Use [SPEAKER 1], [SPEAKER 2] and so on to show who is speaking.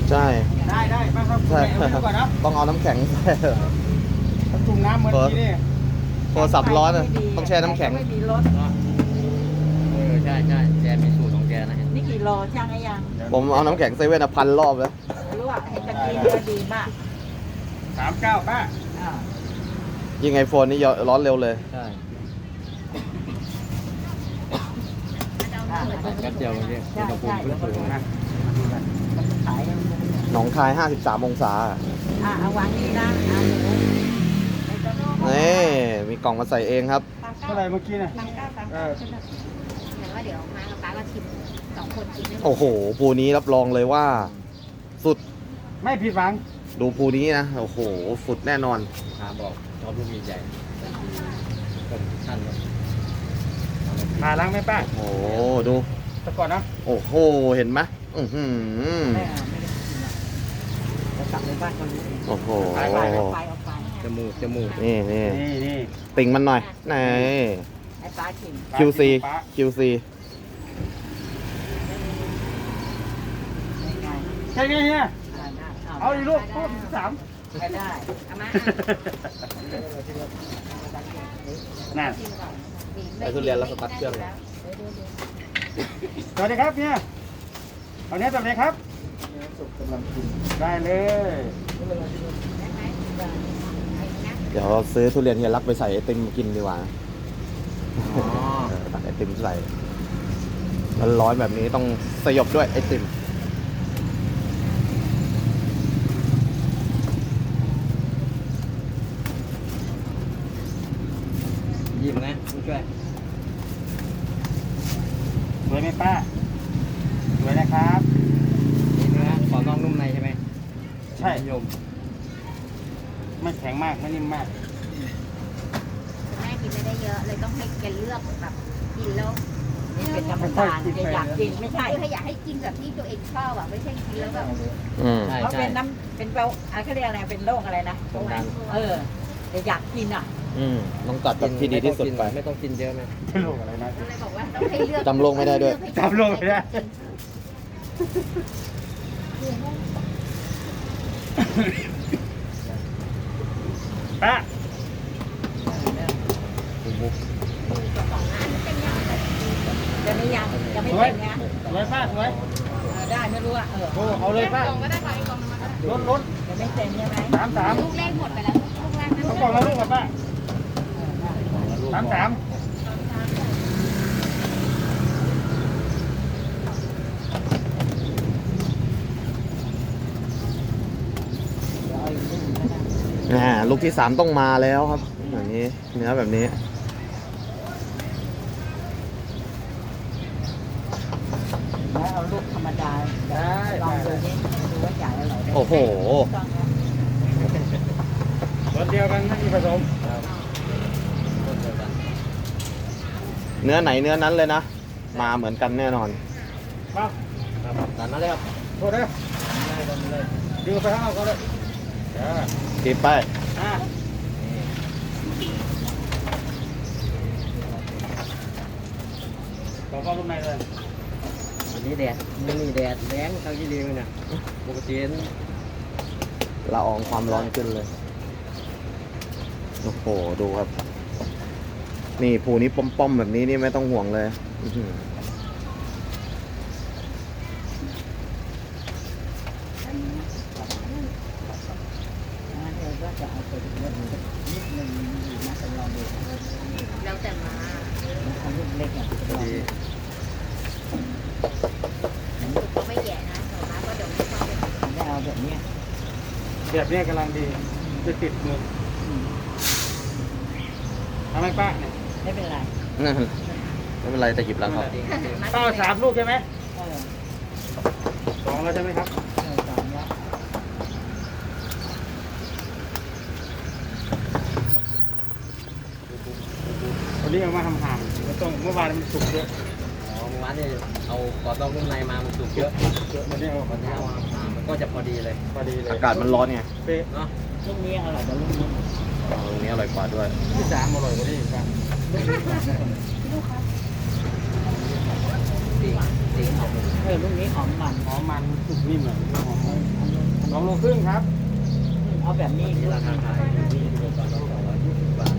[SPEAKER 1] ใช่
[SPEAKER 2] ได้มาครับ
[SPEAKER 1] ใช่
[SPEAKER 2] ดูก่อนนะ
[SPEAKER 1] ต้องเอาน้ำแข็งใส่
[SPEAKER 2] จุ่มน้ำเหมือนที่นี่
[SPEAKER 1] โทรศัพท์ร้อนอะต้องแช่น้ำแข็ง
[SPEAKER 3] ไม่มีรถ
[SPEAKER 4] ใช่แกมีสูตรของแกนะฮะ
[SPEAKER 3] นี่กี่โลช่างไอ้ยัง
[SPEAKER 1] ผมเอาน้ำแข็งเซเว่น1,000 รอบแล้ว
[SPEAKER 3] รู้ว่าเห็นตะกี้ก็ดีมาก
[SPEAKER 2] 39ป้า
[SPEAKER 3] อ่า
[SPEAKER 1] ยิงไอโฟนนี่ร้อนเร็วเลย
[SPEAKER 4] ใช่แป๊บเดียวเมื่อกี้อุณหภูมิขึ้นสูงนะ
[SPEAKER 3] ขาย
[SPEAKER 1] หนองคาย 53 องศา
[SPEAKER 3] เอาวางนี่นะเอาหนู
[SPEAKER 1] นี่มีกล่องมาใส่เองครับ
[SPEAKER 2] เท่าไหร่เมื่อกี้เนี่ย
[SPEAKER 5] เหมือนว่าเดี๋ยวมากับป้าก็ชิม2 คนกินไม่หมด
[SPEAKER 1] โอ้โหภูนี้รับรองเลยว่า สุด
[SPEAKER 2] ไม่ผิดหวัง
[SPEAKER 1] ดูภูนี้นะ โอ้โห สุดแน่นอน
[SPEAKER 4] ถามบอกชอบลูกใหญ่แต่คือคนทุกท่านเลย
[SPEAKER 2] มาล้างไหมป้า
[SPEAKER 1] โอ้โห ดู
[SPEAKER 2] แต่ก่อนนะ
[SPEAKER 1] โอ้โห เห็นไหมอื้อหือ
[SPEAKER 3] ไม่เอาไม่ได้กินอ่ะจะกลับในบ้านเขาดูเอง
[SPEAKER 1] โอ้โห
[SPEAKER 3] เอาไป
[SPEAKER 4] จมูก
[SPEAKER 1] นี่นี่
[SPEAKER 2] นี่
[SPEAKER 1] ติ่งมันหน่อยไหน
[SPEAKER 3] ไอ้ปลาชิม
[SPEAKER 1] QC QC
[SPEAKER 3] ได้ไง
[SPEAKER 2] ใช่ไงเฮีย
[SPEAKER 3] ได้
[SPEAKER 2] เอาอีกลูกตู้13
[SPEAKER 3] ไม่ได้
[SPEAKER 5] เอามา
[SPEAKER 2] นั่น
[SPEAKER 5] ชิมก่อน
[SPEAKER 1] ไอ้ทุเรียนแล้วสตาร์ทเครื่อง
[SPEAKER 2] สวัสดีครับเนี่ยเอาเนี้ยสวัสดีครับได้เลย
[SPEAKER 5] ได้ไหมไอ้นะ
[SPEAKER 1] เดี๋ยวเราซื้อทุเรียนเฮียรักไปใส่ไอติมกินดีกว่า
[SPEAKER 4] อ๋อ
[SPEAKER 1] ตักไอติมใส่ร้อนๆแบบนี้ต้องสยบด้วยไอติม
[SPEAKER 4] ยิ้มนะผู้ช่วย
[SPEAKER 2] สวยไหมป้าสวยนะครับ
[SPEAKER 4] นี่เนื้อขอนอกนุ่มในใช่ไหม
[SPEAKER 2] ใช่
[SPEAKER 4] นิยม
[SPEAKER 2] ไม่แข็งมากไม่นิ่มมาก
[SPEAKER 5] คุณแม่กินไม่ได้เยอะเลยต้องให้แกเลือกแบบกินแล้ว
[SPEAKER 3] นี่เป็นธรรมดาจะอยากกินไม่ใช่
[SPEAKER 5] คือถ้าอยากให้กินแบบที่ตัวเองชอบอ่ะไม่ใช่กินแล้วแบบ
[SPEAKER 1] อืม
[SPEAKER 4] ใช่
[SPEAKER 3] เขา
[SPEAKER 4] ใช่
[SPEAKER 3] เป็นน้ำเป็นเบาเขาเรียกอะไรเป็นโรคอะไรนะ
[SPEAKER 4] ความดัน
[SPEAKER 3] จะอยากกินอ่ะ
[SPEAKER 1] ต้องตัดแบบที่ดีที่สุดไป
[SPEAKER 4] ไม่ต้องกินเยอะนะ
[SPEAKER 2] ที่ลูกอะไรนะ
[SPEAKER 5] ก็เลยบอกว่าต้องให้เลือก
[SPEAKER 1] จำโรคไม่ได้ด้วย
[SPEAKER 2] จำโรคไม่ได้ ป้า
[SPEAKER 3] จะไม่ยังจะไม่
[SPEAKER 2] สวย
[SPEAKER 3] เป็นนะ
[SPEAKER 2] สวยป้าสวย
[SPEAKER 3] ได้ไม่รู้อ่ะ
[SPEAKER 2] โอ้เอาเลยป้า
[SPEAKER 5] ก็ได้ค่ะอีกกล่องนึงมา
[SPEAKER 2] ล้น
[SPEAKER 3] จะไม่เป็นใช่ไหม
[SPEAKER 2] 33
[SPEAKER 5] ลูกแรกหมดไปแล้วลูกแรกนะ
[SPEAKER 2] เอากล่องละลูกกับป้า33
[SPEAKER 1] ลูกที่ 3ต้องมาแล้วครับแบบนี้เนื้อแบบนี้
[SPEAKER 3] แล้วเอาลูกธรรมดา
[SPEAKER 2] ได้
[SPEAKER 3] ลองดูนี่ดูว่าจ่ายอร่อย
[SPEAKER 1] โอ้โห
[SPEAKER 2] รสเดียวกันไม่มีผสม
[SPEAKER 4] คนเดียวกัน
[SPEAKER 1] เนื้อไหนเนื้อนั้นเลยนะ มาเหมือนกันแน่นอน
[SPEAKER 2] มา
[SPEAKER 4] ครับตามนั้นเลยครับ
[SPEAKER 2] โทษนะดึงไปข้างนอกก็ได้
[SPEAKER 1] กินไป
[SPEAKER 2] ต่อเข้าลูกในเลย
[SPEAKER 4] วันนี้แดดนี่แดดแรงเท่าที่ดีเลยเนี่ยปกติ
[SPEAKER 1] ละอองความร้อนขึ้นเลย โอ้โห ดูครับ นี่ภูนี้ป้อมๆแบบนี้นี่ไม่ต้องห่วงเลยอื้อหือ
[SPEAKER 3] ก็จะเอาไปนิดนึงนะจะลองดู
[SPEAKER 5] แล้วแต่มา
[SPEAKER 3] เอาลูกเล็กอ่ะ
[SPEAKER 4] พอดี
[SPEAKER 5] ก็ไม่แย่นะแต่ว่าก็เดี๋ยวไม่ชอบเลย
[SPEAKER 3] ได้เอาแบบนี้
[SPEAKER 2] แบบนี้กำลังดีจะติดมือทำไมป้าเนี่ย
[SPEAKER 3] ไม่เป็นไร
[SPEAKER 1] ไม่เป็นไรแต่หยิบแล้วครับ
[SPEAKER 2] ป้าเอา3 ลูกใช่ไหม
[SPEAKER 3] เออ
[SPEAKER 2] 2แล้วใช่ไหมครับ
[SPEAKER 3] สองแล้ว
[SPEAKER 2] วันนี้เอามาทำห่างแล้วต้องเมื่อวานมันสุกเยอะ
[SPEAKER 4] อ๋อเมื่อวานนี่เอากรอบนอกนุ่มในมามันสุกเยอะ
[SPEAKER 2] วันนี้เอา
[SPEAKER 4] วันนี้เอามามันก็จะพอดีเลย
[SPEAKER 2] พอดีเลย
[SPEAKER 1] อากาศมันร้อนไง
[SPEAKER 2] เป๊ะ
[SPEAKER 4] เนาะ
[SPEAKER 3] ลูกนี้อร่อยกว่าลูกนี้
[SPEAKER 1] ตรงนี้อร่อยกว่าด้วย
[SPEAKER 2] ที่3อร่อยกว่านี้อีกครับ
[SPEAKER 4] สีหอม
[SPEAKER 3] ลูกนี้หอมมัน
[SPEAKER 2] หอมมันสุกนิ่มเลยหอม 2 โลครึ่งครับ
[SPEAKER 3] เอาแบบนี้
[SPEAKER 4] นี่ราคาขายอยู่ที่กิโลกรัมละ220 บาท